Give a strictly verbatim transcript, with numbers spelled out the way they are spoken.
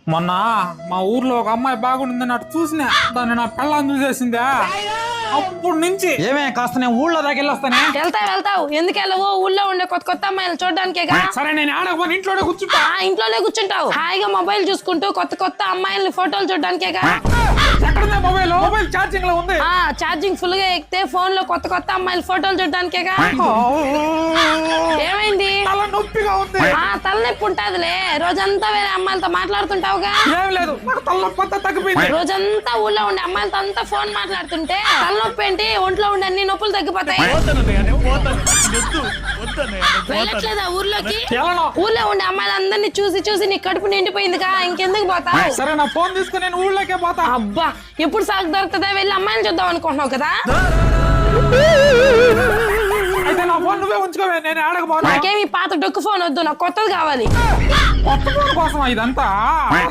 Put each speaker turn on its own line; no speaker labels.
మొన్న మా ఊర్లో ఒక అమ్మాయి బాగుండిందని అటు చూసినా దాన్ని నా పెళ్ళాన్ని చూసేసిందా అప్పుడు నుంచి ఏమే కాస్త నేను ఊళ్ళో దాకా వెళ్ళొస్తానే.
వెళ్తావు వెళ్తావు ఎందుకు వెళ్ళవు? ఊళ్ళో ఉండే కొత్త కొత్త అమ్మాయిలు చూడడానికేగా.
సరే నేను ఆడకపోతే ఇంట్లోనే కూర్చుంటా.
ఆ ఇంట్లోనే కూర్చుంటావు హాయిగా మొబైల్ చూసుకుంటూ కొత్త కొత్త అమ్మాయిల్ని ఫోటోలు చూడడానికేగా.
ఎక్కడుంది మొబైల్? మొబైల్ ఛార్జింగ్ లో ఉంది.
ఆ ఛార్జింగ్ ఫుల్ గా ఎక్కితే ఫోన్ లో కొత్త కొత్త అమ్మాయిల ఫోటోలు చూడడానికేగా. ఏమైంది?
తల నొప్పిగా ఉంది.
ఆ తలనొప్పి ఉంటాదిలే, రోజంతా వేరే అమ్మాయిలతో మాట్లాడుతుంటావుగా.
ఏం లేదు, నాకు తలనొప్పి అంతా తగ్గిపోయింది.
రోజంతా ఊళ్ళో ఉండే అమ్మాయిలతో అంతా ఫోన్ మాట్లాడుతుంటే తలనొప్పి ఏంటి? ఒంట్లో ఉండే అన్ని నొప్పులు తగ్గిపోతాయి. వెళ్ళట్లేదా ఊర్లోకి? ఊర్లో ఉండే అమ్మాయిలందరినీ చూసి చూసి నీ కడుపు నిండిపోయిందిగా, ఇంకెందుకు పోతావు?
సరే నా ఫోన్ తీసుకుని నేను ఊళ్ళోకే పోతా.
అబ్బా ఎప్పుడు సాగు దొరుకుతుందా? వెళ్ళి అమ్మాయిని చూద్దాం అనుకుంటున్నావు కదా.
అయితే నా ఫోన్ నువ్వే ఉంచుకోవే, నేను ఆడకపోతా.
నాకేమి పాత డొక్కు ఫోన్ వద్దు, నాకు కొత్తది కావాలి.
కొత్త ఫోన్ కోసం ఇదంతా.